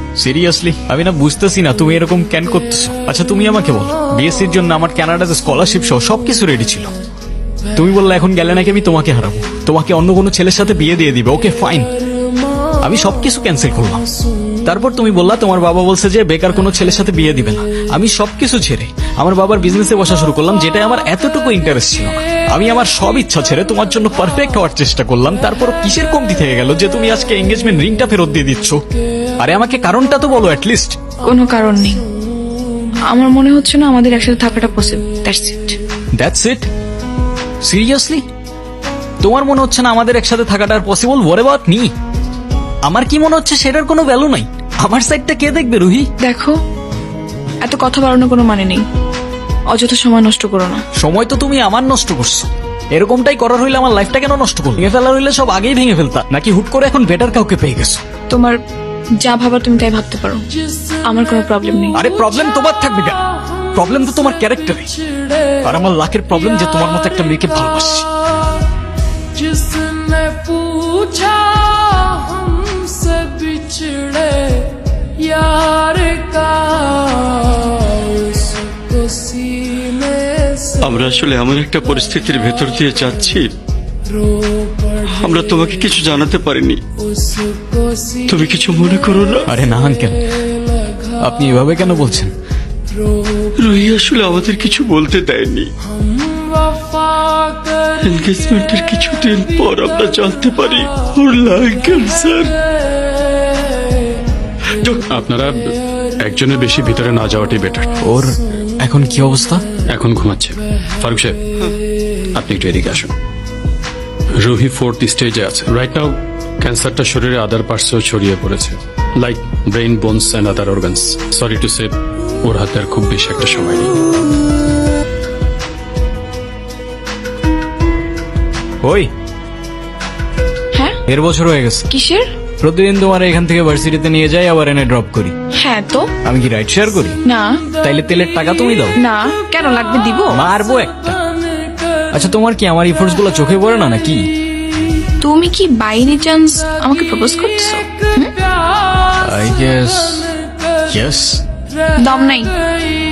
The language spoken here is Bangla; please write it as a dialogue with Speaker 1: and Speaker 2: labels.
Speaker 1: সিরিয়াসলি আমি না বুঝতেছি না তুমি এরকম কেন করতেছো। আচ্ছা তুমি আমাকে বলো, বিএসসির জন্য আমার কানাডাতে স্কলারশিপ সহ সবকিছু রেডি ছিল। তুমি বললে এখন গেলে নাকি আমি তোমাকে হারাবো, তোমাকে অন্য কোনো ছেলের সাথে বিয়ে দিয়ে দিবে। ওকে ফাইন, আমি সবকিছু ক্যান্সেল করলাম। তারপর তুমি বললা তোমার বাবা বলছে যে বেকার কোনো ছেলের সাথে বিয়ে দিবে না। আমি সবকিছু ছেড়ে আমার বাবার বিজনেসে বসা শুরু করলাম, যেটা আমার এতটুকু ইন্টারেস্ট ছিল না। আমি আমার সব ইচ্ছা ছেড়ে তোমার জন্য পারফেক্ট হওয়ার চেষ্টা করলাম। তারপর কিসের কমতি থেকে গেল যে তুমি আজকে এঙ্গেজমেন্ট রিংটা ফেরত দিয়ে দিচ্ছ? আরে আমাকে কারণটা তো বলো অ্যাটলিস্ট।
Speaker 2: কোনো কারণ নেই, আমার মনে হচ্ছে না আমাদের একসাথে থাকাটা possible. That's it.
Speaker 1: That's it? Seriously তোমার মনে হচ্ছে না আমাদের একসাথে থাকাটা পসিবল? What about me? আমার কি মনে হচ্ছে সেটার কোনো ভ্যালু নাই? আমার সাইডটা কে দেখবে রুহি?
Speaker 2: দেখো, এত কথা বাড়ানোর কোনো মানে নেই, অযথা সময় নষ্ট করো না।
Speaker 1: সময় তো তুমি আমার নষ্ট করছো। এরকমটাই করার হইলে আমার লাইফটা কেন নষ্ট করো? ভেঙে ফেলার হইলে সব আগেই ভেঙে ফেলতা, নাকি হুট করে এখন বেটার কাউকে পেয়ে গেছো?
Speaker 2: তোমার যা ভাবার তুমি তাই ভাবতে পারো, আমার কোনো প্রবলেম নেই।
Speaker 1: আরে প্রবলেম তোমার থাকবে কেন? প্রবলেম তো তোমার ক্যারেক্টারে। আর আমার লাখের প্রবলেম যে তোমার মতো একটা মেয়েকে ভালোবাসছি।
Speaker 3: जिसने पूछा हमसे बिछड़े यार का उसको सीने से
Speaker 4: আমরা আসলে এমন একটা পরিস্থিতির ভেতর দিয়ে যাচ্ছি,
Speaker 3: रो पड़े
Speaker 4: আমরা তোমাকে কিছু জানাতে পারিনি।
Speaker 3: उसको
Speaker 4: তুমি কিছু মনে করো না।
Speaker 1: আরে না আঙ্কেল, আপনি এভাবে কেন বলছেন?
Speaker 4: রুহি আসলে আমাদের কিছু বলতে দেয়নি।
Speaker 3: वफा कर
Speaker 4: এনগেজমেন্টের কিছুদিন পর আমরা জানতে পারি ওর লাং ক্যান্সার।
Speaker 5: আপনারা একজনের বেশি ভিতরে না যাওয়াটাই বেটার।
Speaker 1: ওর এখন কি অবস্থা?
Speaker 5: এখন ঘুমাচ্ছে। ফারুক সাহেব, আপনি একটু এদিকে আসুন। রুহি 4th স্টেজে আছে রাইট নাও। ক্যান্সারটা শরীরে আদার পার্টসেও ছড়িয়ে পড়েছে, like brain, bones and other organs. Sorry to say, ওর হাতে আর খুব বেশি একটা সময় নেই।
Speaker 1: ওই
Speaker 2: হ্যাঁ,
Speaker 1: 1.5 বছর হয়ে গেছে।
Speaker 2: কিসের?
Speaker 1: প্রতিদিন তোমার এখান থেকে ভার্সিটিতে নিয়ে যাই, আবার এনে ড্রপ করি।
Speaker 2: হ্যাঁ তো
Speaker 1: আমি কি রাইড শেয়ার করি?
Speaker 2: না।
Speaker 1: তাইলে তেলের টাকা তুমি দাও।
Speaker 2: না, কেন লাগবে? দিব।
Speaker 1: মারবো একটা। আচ্ছা তোমার কি আমার ইফোর্টস গুলো চোখে পড়ে না নাকি?
Speaker 2: তুমি কি বাই এনি চান্স আমাকে প্রপোজ করতেছো?
Speaker 1: I guess yes.
Speaker 2: দম নাই।